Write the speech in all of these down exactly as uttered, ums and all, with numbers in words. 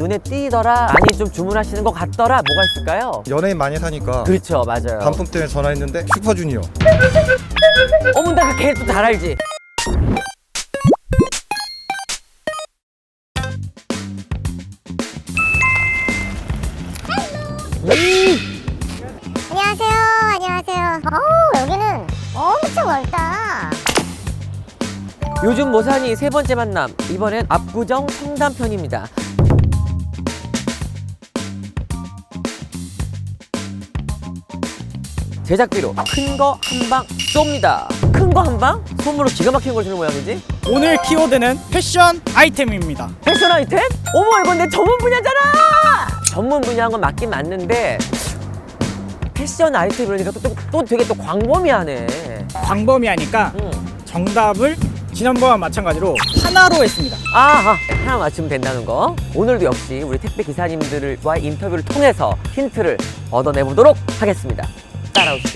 눈에 띄더라, 많이 좀 주문하시는 것 같더라, 뭐가 있을까요? 연예인 많이 사니까 그렇죠, 맞아요. 반품 때문에 전화했는데 슈퍼주니어. 어머, 나 걔 또 잘 알지. 안녕하세요. 안녕하세요. 어우, 여기는 엄청 넓다. 요즘 모산이 세 번째 만남, 이번엔 압구정 청담편입니다. 제작비로 큰 거 한 방 쏩니다. 큰 거 한 방? 손으로 기가 막힌 걸 주는 모양이지? 오늘 키워드는 패션 아이템입니다. 패션 아이템? 어머, 이건 내 전문 분야잖아! 전문 분야인 건 맞긴 맞는데 패션 아이템 이러니까 또, 또, 또 되게 또 광범위하네. 광범위하니까 응. 정답을 지난번와 마찬가지로 하나로 했습니다. 아하, 하나 맞추면 된다는 거. 오늘도 역시 우리 택배 기사님들과의 인터뷰를 통해서 힌트를 얻어내보도록 하겠습니다. 따라오시죠.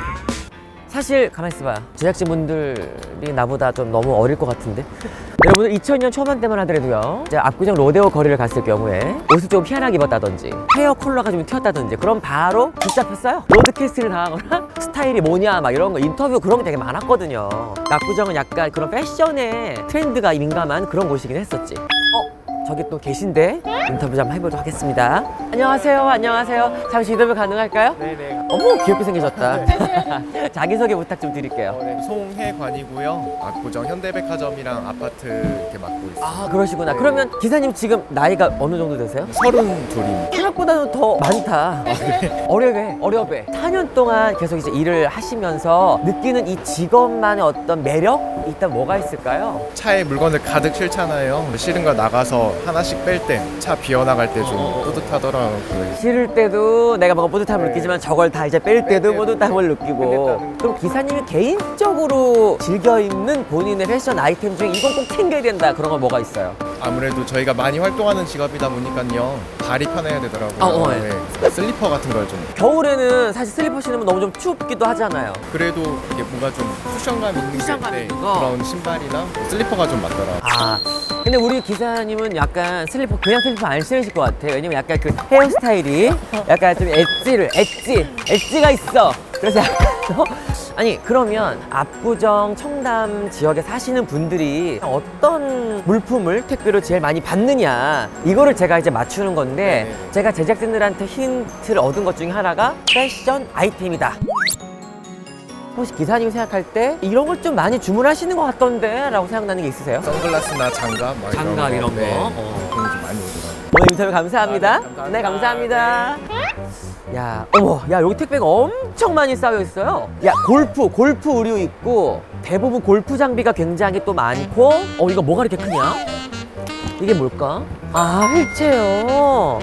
사실 가만히 있어봐요. 제작진분들이 나보다 좀 너무 어릴 것 같은데 여러분들 이천 년 초반 때만 하더라도요, 이제 압구정 로데오 거리를 갔을 경우에 옷을 좀 희한하게 입었다든지 헤어 컬러가 좀 튀었다든지 그럼 바로 붙잡혔어요. 로드캐스트를 당하거나 스타일이 뭐냐 막 이런 거 인터뷰 그런 게 되게 많았거든요. 압구정은 약간 그런 패션에 트렌드가 민감한 그런 곳이긴 했었지. 어? 저기 또 계신데 인터뷰 좀 해보도록 하겠습니다. 안녕하세요. 안녕하세요. 잠시 인터뷰 가능할까요? 네네. 어머, 귀엽게 생기셨다. 자기소개 부탁 좀 드릴게요. 어, 네. 송혜관이고요. 압구정 현대백화점이랑 아파트 이렇게 맡고 있어요. 아, 그러시구나. 네. 그러면 기사님 지금 나이가 어느 정도 되세요? 서른 둘입니다. 생각보다는 더 많다. 어려배, 어려배. 사 년 동안 계속 이제 일을 하시면서 느끼는 이 직업만의 어떤 매력? 일단 뭐가 있을까요? 차에 물건을 가득 실잖아요. 실은 걸 나가서 하나씩 뺄 때, 차 비워나갈 때 좀 뿌듯하더라고요. 실을 때도 내가 뭔가 뿌듯함을 네. 느끼지만 저걸 다 이제 뺄 때도 때도 뿌듯함을 느끼고. 그럼 기사님이 개인적으로 즐겨 입는 본인의 패션 아이템 중에 이건 꼭 챙겨야 된다 그런 건 뭐가 있어요? 아무래도 저희가 많이 활동하는 직업이다 보니까요. 발이 편해야 되더라고요. 어, 어, 예. 네. 슬리퍼 같은 걸 좀. 겨울에는 사실 슬리퍼 신으면 너무 좀 춥기도 하잖아요. 그래도 이게 뭔가 좀 쿠션감 있는 쿠션감 게, 있는 거? 그런 신발이나 슬리퍼가 좀 맞더라고요. 아, 근데 우리 기사님은 약간 슬리퍼 그냥 슬리퍼 안 신으실 것 같아. 왜냐면 약간 그 헤어스타일이 약간 좀 엣지를 엣지 엣지가 있어. 그래서 약간 어? 아니, 그러면 압구정 청담 지역에 사시는 분들이 어떤 물품을 택배로 제일 많이 받느냐 이거를 제가 이제 맞추는 건데, 네네. 제가 제작진들한테 힌트를 얻은 것 중에 하나가 패션 아이템이다. 혹시 기사님이 생각할 때 이런 걸 좀 많이 주문하시는 것 같던데 라고 생각나는 게 있으세요? 선글라스나 장갑, 막 장갑 이런 거? 네. 어. 그런 게 좀 많이 오더라고요. 오늘 인터뷰 감사합니다. 아, 네, 감사합니다. 네, 감사합니다. 야, 어머, 야, 여기 택배가 엄청 많이 쌓여 있어요. 야, 골프, 골프 의류 있고, 대부분 골프 장비가 굉장히 또 많고, 어, 이거 뭐가 이렇게 크냐? 이게 뭘까? 아, 휠체어.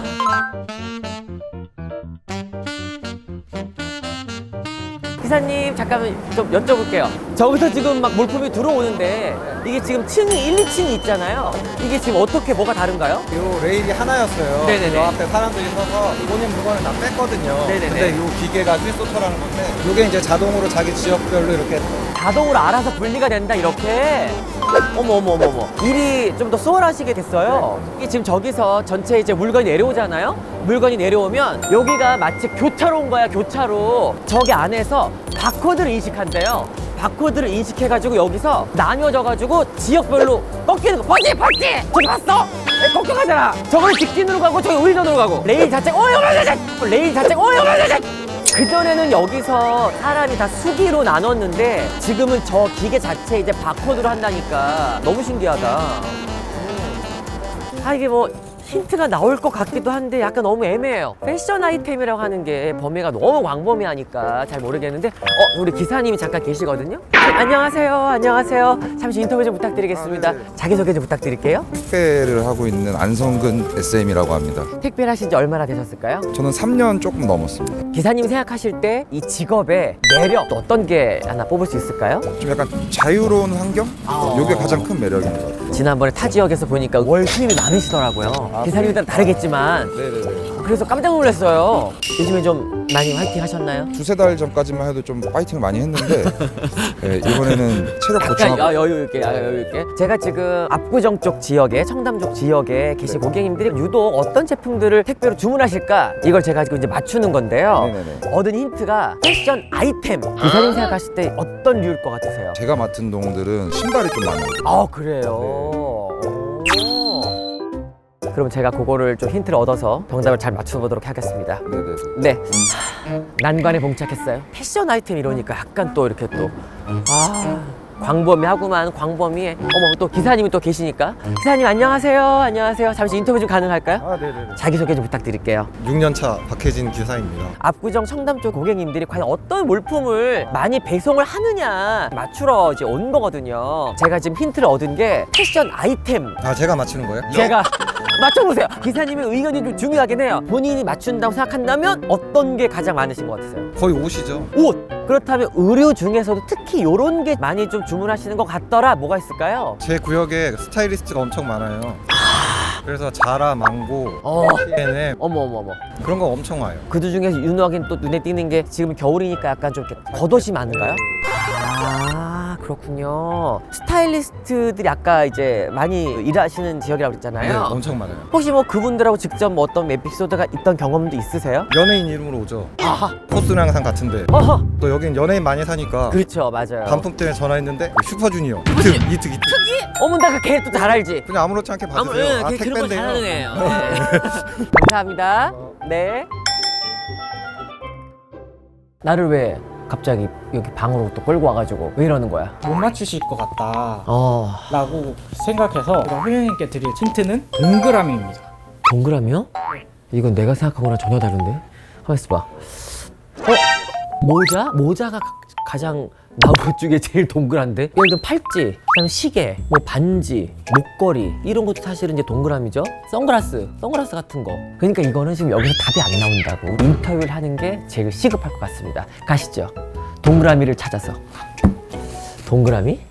기사님, 잠깐만 좀 여쭤볼게요. 저기서 지금 막 물품이 들어오는데, 이게 지금 층이 일, 이 층이 있잖아요. 이게 지금 어떻게 뭐가 다른가요? 요 레일이 하나였어요. 네네네. 저 앞에 사람들이 서서 본인 물건을 다 뺐거든요. 네네네. 근데 요 기계가 휠소터라는 건데, 요게 이제 자동으로 자기 지역별로 이렇게 자동으로 알아서 분리가 된다 이렇게. 어머 어머 어머 어머, 일이 좀 더 수월하시게 됐어요. 이게 지금 저기서 전체 이제 물건이 내려오잖아요. 물건이 내려오면 여기가 마치 교차로인 거야, 교차로. 저기 안에서 바코드를 인식한대요. 바코드를 인식해가지고 여기서 나뉘어져가지고 지역별로 꺾이는 거. 봤지? 봤지? 저기 봤어? 에, 꺾여가잖아. 저거는 직진으로 가고 저기 우회전으로 가고. 레일 자체 어이 어이 레일 자체 어이 어이 그전에는 여기서 사람이 다 수기로 나눴는데 지금은 저 기계 자체 이제 바코드로 한다니까 너무 신기하다. 음. 아, 이게 뭐 힌트가 나올 것 같기도 한데 약간 너무 애매해요. 패션 아이템이라고 하는 게 범위가 너무 광범위하니까 잘 모르겠는데, 어, 우리 기사님이 잠깐 계시거든요. 네, 안녕하세요. 안녕하세요. 잠시 인터뷰 좀 부탁드리겠습니다. 아, 네. 자기소개 좀 부탁드릴게요. 택배를 하고 있는 안성근 에스엠이라고 합니다. 택배를 하신 지 얼마나 되셨을까요? 저는 삼 년 조금 넘었습니다. 기사님이 생각하실 때 이 직업의 매력 또 어떤 게 하나 뽑을 수 있을까요? 좀 약간 자유로운 환경? 아. 이게 가장 큰 매력인 것 같아요. 지난번에 타 지역에서 보니까 월 수입이 많으시더라고요. 기사님들은 다르겠지만 네네네. 그래서 깜짝 놀랐어요. 요즘에 좀 많이 화이팅 하셨나요? 두세 달 전까지만 해도 좀 파이팅을 많이 했는데 예, 이번에는 체력 약간 보충하고 여- 여유 있게, 아, 여유 있게. 제가 지금 압구정 쪽 지역에, 청담 쪽 지역에 계신 네. 고객님들이 유독 어떤 제품들을 택배로 주문하실까? 이걸 제가 지금 이제 맞추는 건데요. 네네네. 얻은 힌트가 패션 아이템. 기사님 생각하실 때 어떤 류일 것 같으세요? 제가 맡은 동들은 신발이 좀 많아요. 아, 그래요. 오. 그럼 제가 그거를 좀 힌트를 얻어서 정답을 잘 맞춰보도록 하겠습니다. 네네. 네. 난관에 봉착했어요. 패션 아이템 이러니까 약간 또 이렇게 또, 아, 광범위하구만, 광범위해. 어머, 또 기사님이 또 계시니까. 기사님, 안녕하세요. 안녕하세요. 잠시 인터뷰 좀 가능할까요? 아, 네네네. 자기소개 좀 부탁드릴게요. 육 년 차 박혜진 기사입니다. 압구정 청담 쪽 고객님들이 과연 어떤 물품을 많이 배송을 하느냐 맞추러 이제 온 거거든요. 제가 지금 힌트를 얻은 게 패션 아이템. 아, 제가 맞히는 거예요? 제가 맞춰보세요. 기사님의 의견이 좀 중요하긴 해요. 본인이 맞춘다고 생각한다면 어떤 게 가장 많으신 것 같으세요? 거의 옷이죠. 옷! 그렇다면 의류 중에서도 특히 이런 게 많이 좀 주문하시는 것 같더라. 뭐가 있을까요? 제 구역에 스타일리스트가 엄청 많아요. 그래서 자라, 망고, 어. 씨앤엠 어머 어머 어머. 그런 거 엄청 와요. 그 중에서 유노하긴 또 눈에 띄는 게 지금 겨울이니까 약간 좀 이렇게 겉옷이 많은가요? 아, 그렇군요. 스타일리스트들이 아까 이제 많이 일하시는 지역이라고 네, 그랬잖아요. 엄청 많아요. 혹시 뭐 그분들하고 직접 뭐 어떤 에피소드가 있던 경험도 있으세요? 연예인 이름으로 오죠. 아하. 코스는 항상 같은데 어허. 또 여긴 연예인 많이 사니까 그렇죠, 맞아요. 반품 때문에 전화했는데 그 슈퍼주니어 이특 이특 이특 어머, 나그 걔 또 잘 알지? 그냥 아무렇지 않게 아무, 받으세요. 예, 아, 걔 그런 거 택배인데요. 잘하는 애예요. 네. 감사합니다. 네. 나를 왜 갑자기 여기 방으로 또 끌고 와가지고 왜 이러는 거야? 못 맞추실 것 같다 어, 라고 생각해서 제가 회원님께 드릴 힌트는 동그라미입니다. 동그라미요? 이건 내가 생각한 거랑 전혀 다른데? 가만 있어봐. 어? 모자? 모자가 가, 가장 나온 것 중에 제일 동그란데? 예를 들면 팔찌, 그다음에 시계, 뭐 반지, 목걸이 이런 것도 사실은 이제 동그라미죠? 선글라스, 선글라스 같은 거. 그러니까 이거는 지금 여기서 답이 안 나온다고. 인터뷰를 하는 게 제일 시급할 것 같습니다. 가시죠. 동그라미를 찾아서. 동그라미?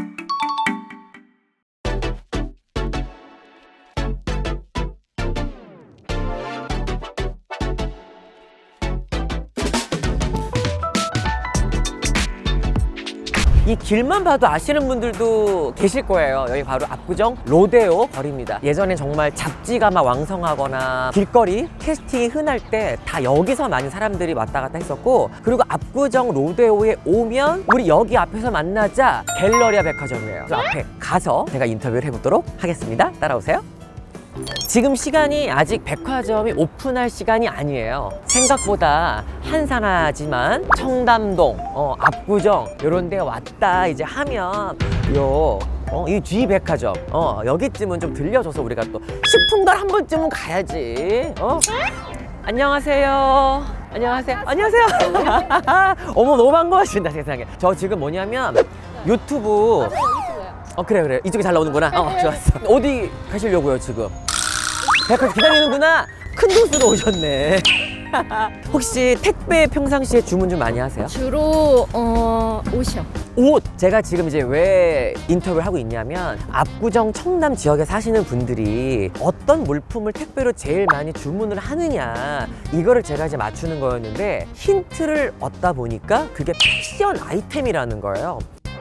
이 길만 봐도 아시는 분들도 계실 거예요. 여기 바로 압구정 로데오 거리입니다. 예전에 정말 잡지가 막 왕성하거나 길거리 캐스팅이 흔할 때 다 여기서 많이 사람들이 왔다 갔다 했었고, 그리고 압구정 로데오에 오면 우리 여기 앞에서 만나자 갤러리아 백화점이에요. 그 앞에 가서 제가 인터뷰를 해보도록 하겠습니다. 따라오세요. 지금 시간이 아직 백화점이 오픈할 시간이 아니에요. 생각보다 한산하지만 청담동, 어, 압구정 이런 데 왔다 이제 하면 요 어, 이 G 백화점 어, 여기쯤은 좀 들려줘서 우리가 또 식품관 한 번쯤은 가야지. 어? 안녕하세요. 안녕하세요. 안녕하세요. 어머, 너무 반가워하신다 세상에. 저 지금 뭐냐면 유튜브. 어, 그래 그래 이쪽이 잘 나오는구나. 어, 좋았어. 어디 가시려고요 지금? 백화점 기다리는구나. 큰 도수로 오셨네. 혹시 택배 평상시에 주문 좀 많이 하세요? 주로 어 옷이요. 옷! 제가 지금 이제 왜 인터뷰를 하고 있냐면 압구정 청담 지역에 사시는 분들이 어떤 물품을 택배로 제일 많이 주문을 하느냐 이거를 제가 이제 맞추는 거였는데 힌트를 얻다 보니까 그게 패션 아이템이라는 거예요.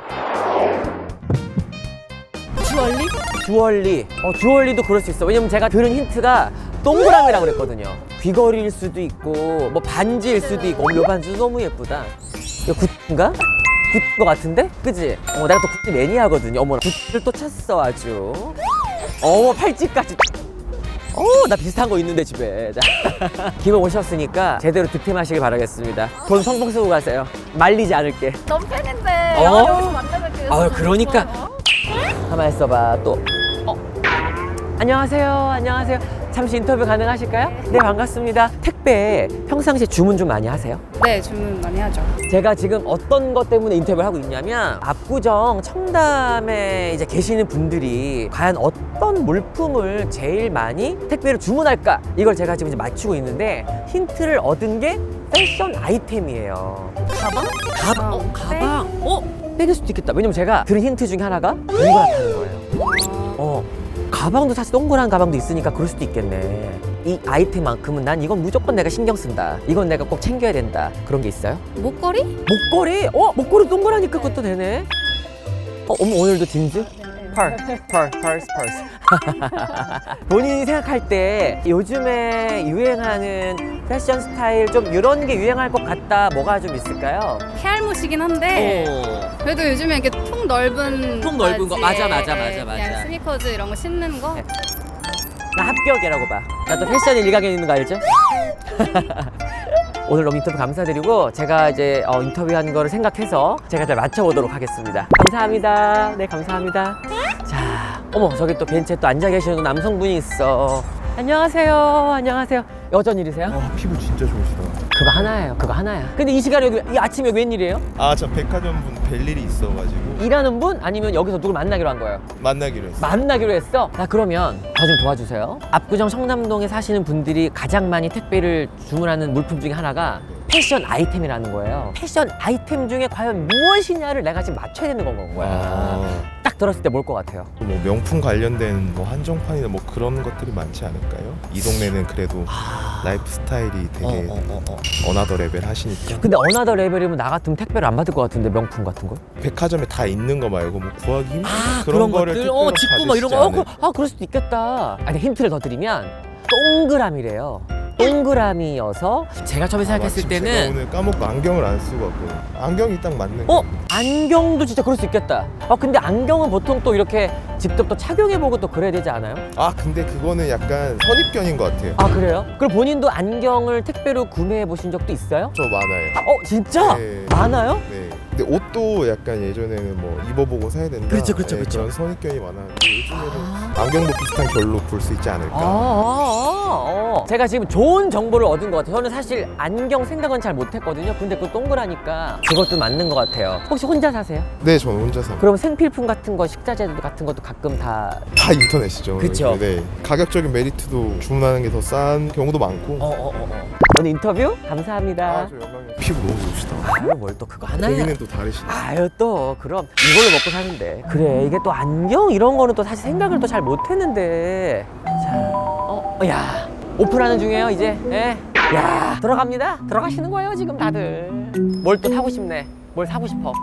주얼리? 주얼리. 어, 주얼리도 그럴 수 있어. 왜냐면 제가 들은 힌트가 동그라미라고 그랬거든요. 귀걸이일 수도 있고 뭐 반지일 수도 있고. 어머, 요 반지 너무 예쁘다. 이거 굿인가? 굿인 것 같은데? 그지? 어, 내가 또 굿즈 매니아거든요. 어머, 굿즈를 또 찼어 아주. 어머, 팔찌까지. 어, 나 비슷한 거 있는데 집에. 자, 기분 오셨으니까 제대로 득템하시길 바라겠습니다. 돈 성공 쓰고 가세요. 말리지 않을게. 너무 팬인데 어? 여기서 만나뵙게 아, 그러니까. 가만 있어봐 또. 어. 안녕하세요. 안녕하세요. 잠시 인터뷰 가능하실까요? 네, 반갑습니다. 택배 평상시에 주문 좀 많이 하세요? 네, 주문 많이 하죠. 제가 지금 어떤 것 때문에 인터뷰를 하고 있냐면 압구정 청담에 이제 계시는 분들이 과연 어떤 물품을 제일 많이 택배로 주문할까 이걸 제가 지금 이제 맞추고 있는데 힌트를 얻은 게 패션 아이템이에요. 가방? 가방? 어, 어, 가방? 어? 백일 수도 있겠다. 왜냐면 제가 들은 힌트 중에 하나가 동그랗다는 거예요. 어. 가방도 사실 동그란 가방도 있으니까 그럴 수도 있겠네. 이 아이템만큼은 난 이건 무조건 내가 신경 쓴다. 이건 내가 꼭 챙겨야 된다. 그런 게 있어요? 목걸이? 목걸이? 어? 목걸이 동그라니까 그것도 되네. 어, 어머 오늘도 진즈? 펄, 펄, 펄스, 펄스. 본인이 생각할 때 요즘에 유행하는 패션 스타일 좀 이런 게 유행할 것 같다. 뭐가 좀 있을까요? 헤알못이긴 한데 어. 그래도 요즘에 이렇게 통 넓은 통 넓은 거. 바지에, 맞아, 맞아, 예, 맞아, 맞아. 그냥 스니커즈 이런 거 신는 거. 네. 나 합격이라고 봐. 나 또 패션 일각에 있는 거 알죠? 오늘 너무 인터뷰 감사드리고 제가 이제 어, 인터뷰한 거를 생각해서 제가 잘 맞춰보도록 하겠습니다. 감사합니다. 네, 감사합니다. 자, 어머 저기 또 벤치에 또 앉아 계시는 남성분이 있어. 안녕하세요. 안녕하세요. 여전 일이세요? 아, 피부 진짜 좋으시다. 그거 하나예요. 그거 하나야. 근데 이 시간에 여기 이 아침에 여기 웬일이에요? 아, 저 백화점 분 뵐 일이 있어가지고 일하는 분 아니면 여기서 누굴 만나기로 한 거예요? 만나기로 했어요. 만나기로 했어? 자 그러면 저 좀 도와주세요. 압구정 청담동에 사시는 분들이 가장 많이 택배를 주문하는 물품 중에 하나가 패션 아이템이라는 거예요. 패션 아이템 중에 과연 무엇이냐를 내가 지금 맞춰야 되는 건 거야. 아, 딱 들었을 때 뭘 것 같아요? 뭐 명품 관련된 뭐 한정판이나 뭐 그런 것들이 많지 않을까요? 이 동네는 그래도 라이프 스타일이 되게 어, 어, 어, 어. 어나더 레벨 하시니까 근데 어나더 레벨이면 나 같으면 택배를 안 받을 것 같은데 명품 같은 거? 백화점에 다 있는 거 말고 뭐 구하기 힘든 아 그런, 거를 것들? 택배로 어 직구 뭐 이런 거? 어, 그, 받으시지 아 그럴 수도 있겠다. 아니 힌트를 더 드리면 동그라미래요. 동그라미여서 제가 처음에 않을까요? 생각했을 아, 마침 제가 때는 오늘 까먹고 안경을 안 쓰고 왔거든요. 안경이 딱 맞는 어? 거. 안경도 진짜 그럴 수 있겠다. 아 근데 안경은 보통 또 이렇게 직접 또 착용해보고 또 그래야 되지 않아요? 아, 근데 그거는 약간 선입견인 것 같아요. 아 그래요? 그럼 본인도 안경을 택배로 구매해 보신 적도 있어요? 저 많아요. 어 진짜? 네. 많아요? 네. 근데 옷도 약간 예전에는 뭐 입어보고 사야 된다. 그렇죠, 그렇죠, 네, 그렇죠. 그런 선입견이 많았는데 요즘에는 안경도 비슷한 결로 볼 수 있지 않을까. 아, 아, 아, 아. 제가 지금 좋은 정보를 얻은 것 같아요. 저는 사실 안경 생각은 잘 못했거든요. 근데 그거 동그라니까 그것도 맞는 것 같아요. 혹시 혼자 사세요? 네, 저는 혼자 삽니다. 그럼 생필품 같은 거, 식자재 같은 것도 가끔 다 다 인터넷이죠. 그쵸. 네. 가격적인 메리트도 주문하는 게 더 싼 경우도 많고. 어, 어, 어, 어. 오늘 인터뷰 감사합니다. 아, 저 영광이요. 피부 너무 좋으시다. 아유, 뭘 또 그거 하나야? 고민은 또 다르시네. 아유 또 그럼 이걸로 먹고 사는데 그래 이게 또 안경 이런 거는 또 사실 생각을 또 잘 못했는데 자, 어, 어, 야 오픈하는 중이에요 이제 예. 야 들어갑니다 들어가시는 거예요 지금 다들 뭘 또 사고 싶네 뭘 사고 싶어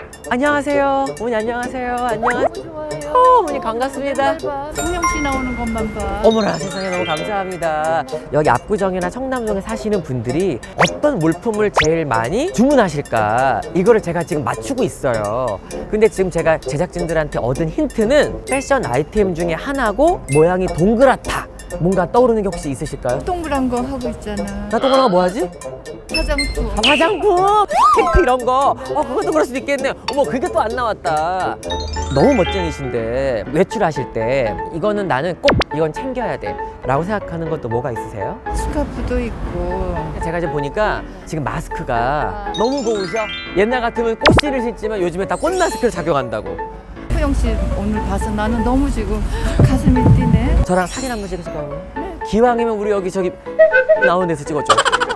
안녕하세요 어머니 안녕하세요 안녕하세요 어, 어머니 반갑습니다 성령 씨 나오는 것만 봐. 어머나 세상에 너무 감사합니다. 여기 압구정이나 청담동에 사시는 분들이 어떤 물품을 제일 많이 주문하실까 이거를 제가 지금 맞추고 있어요. 근데 지금 제가 제작진들한테 얻은 힌트는 패션 아이템 중에 하나고 모양이 동그랗다. 뭔가 떠오르는 게 혹시 있으실까요? 동그란 거 하고 있잖아. 나 동그란 거 뭐 하지? 화장품. 아, 화장품, 핑크 이런 거. 어, 그것도 그럴 수도 있겠네요. 어머, 그게 또 안 나왔다. 너무 멋쟁이신데 외출하실 때 이거는 나는 꼭 이건 챙겨야 돼 라고 생각하는 것도 뭐가 있으세요? 스카프도 있고. 제가 이제 보니까 지금 마스크가 너무 고우셔. 옛날 같으면 꽃씨를 신지만 요즘에 다 꽃 마스크를 착용한다고. 소영 씨 오늘 봐서 나는 너무 지금 가슴이 뛰네. 저랑 사진 한 번 찍으실까요? 기왕이면 우리 여기 저기 나오는 데서 찍어줘.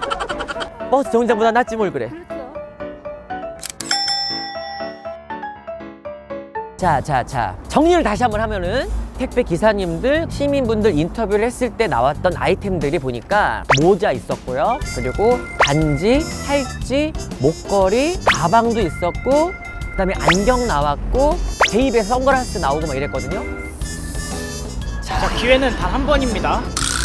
버스 정류장보다 낫지 뭘 그래. 자, 자, 자. 정리를 다시 한번 하면은 택배 기사님들, 시민분들 인터뷰를 했을 때 나왔던 아이템들이 보니까 모자 있었고요. 그리고 반지, 팔찌, 목걸이, 가방도 있었고 그다음에 안경 나왔고 제 입에 선글라스 나오고 막 이랬거든요. 자, 기회는 단 한 번입니다.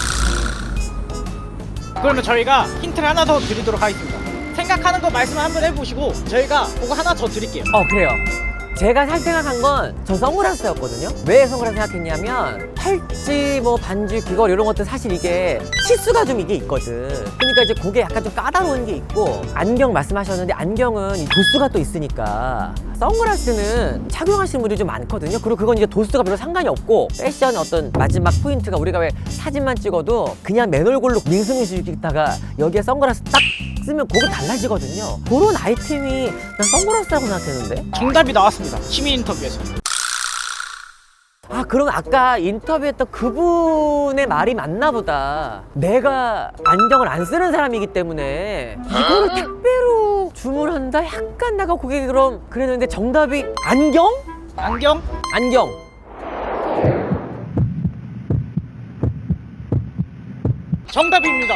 그러면 저희가 힌트를 하나 더 드리도록 하겠습니다. 생각하는 거 말씀 한번 해보시고 저희가 그거 하나 더 드릴게요. 어 그래요. 제가 살 생각한 건 저 선글라스였거든요. 왜 선글라스 생각했냐면 팔찌, 뭐 반지, 귀걸이 이런 것들 사실 이게 치수가 좀 이게 있거든. 그러니까 이제 그게 약간 좀 까다로운 게 있고 안경 말씀하셨는데 안경은 이 도수가 또 있으니까 선글라스는 착용하시는 분들이 좀 많거든요. 그리고 그건 이제 도수가 별로 상관이 없고 패션 어떤 마지막 포인트가 우리가 왜 사진만 찍어도 그냥 맨 얼굴로 밍숭밍숭 찍다가 여기에 선글라스 딱 쓰면 그거 달라지거든요. 그런 아이템이 난 선글라스라고 생각했는데. 정답이 나왔습니다. 시민 인터뷰에서. 아 그럼 아까 인터뷰했던 그분의 말이 맞나 보다. 내가 안경을 안 쓰는 사람이기 때문에 이거를 택배로 주문한다? 약간 내가 그게 그럼 그랬는데 정답이 안경? 안경? 안경 정답입니다.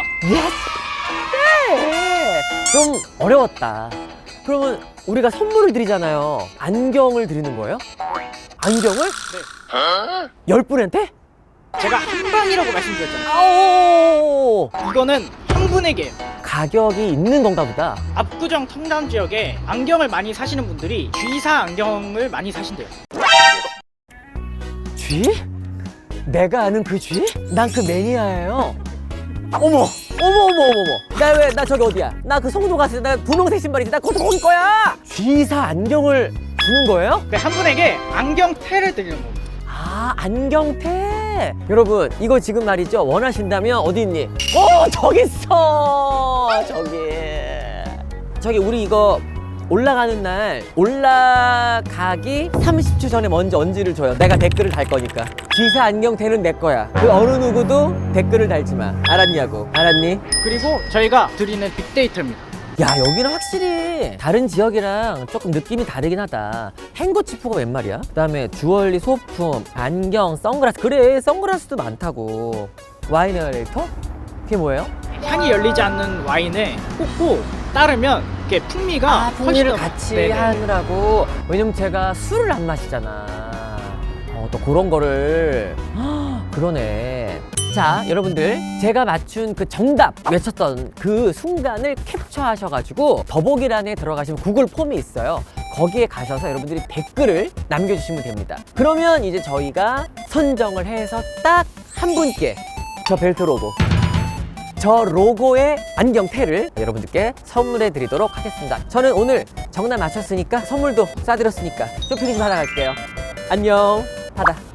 네. 좀 어려웠다. 그러면 우리가 선물을 드리잖아요. 안경을 드리는 거예요? 안경을? 네. 열 분한테? 제가 한 방이라고 말씀드렸잖아요. 아오! 이거는 한 분에게 가격이 있는 건가 보다. 압구정 청담 지역에 안경을 많이 사시는 분들이 G사 안경을 많이 사신대요. 쥐? 내가 아는 그 쥐? 난 그 매니아예요. 어머! 어머 어머 어머 어머! 나 왜 나 저기 어디야? 나 그 성도 갔을 때 나 분홍색 신발이지. 나 그것도 거기 거야! G사 안경을 주는 거예요? 그 한 분에게 안경테를 드리는 겁니다. 아, 안경테. 여러분, 이거 지금 말이죠. 원하신다면 어디 있니? 어, 저기 있어. 저기. 저기 우리 이거 올라가는 날 올라가기 삼십 초 전에 먼저 언지를 줘요. 내가 댓글을 달 거니까. G사 안경테는 내 거야. 그 어느 누구도 댓글을 달지 마. 알았냐고. 알았니? 그리고 저희가 드리는 빅데이터입니다. 야, 여기는 확실히 다른 지역이랑 조금 느낌이 다르긴 하다. 행거치프가 웬 말이야? 그 다음에 주얼리, 소품, 안경, 선글라스. 그래, 선글라스도 많다고. 와인 에어레이터? 그게 뭐예요? 향이 열리지 않는 와인에 꽂고 따르면 이렇게 풍미가 아, 훨씬 풍미를 더- 같이 네네. 하느라고. 왜냐면 제가 술을 안 마시잖아. 어, 또 그런 거를. 헉, 그러네. 자, 여러분들, 제가 맞춘 그 정답 외쳤던 그 순간을 캡처하셔가지고 더보기란에 들어가시면 구글 폼이 있어요. 거기에 가셔서 여러분들이 댓글을 남겨주시면 됩니다. 그러면 이제 저희가 선정을 해서 딱 한 분께 저 벨트 로고, 저 로고의 안경테를 여러분들께 선물해 드리도록 하겠습니다. 저는 오늘 정답 맞췄으니까 선물도 쏴드렸으니까 쇼핑 좀 하다 갈게요. 안녕. 받아.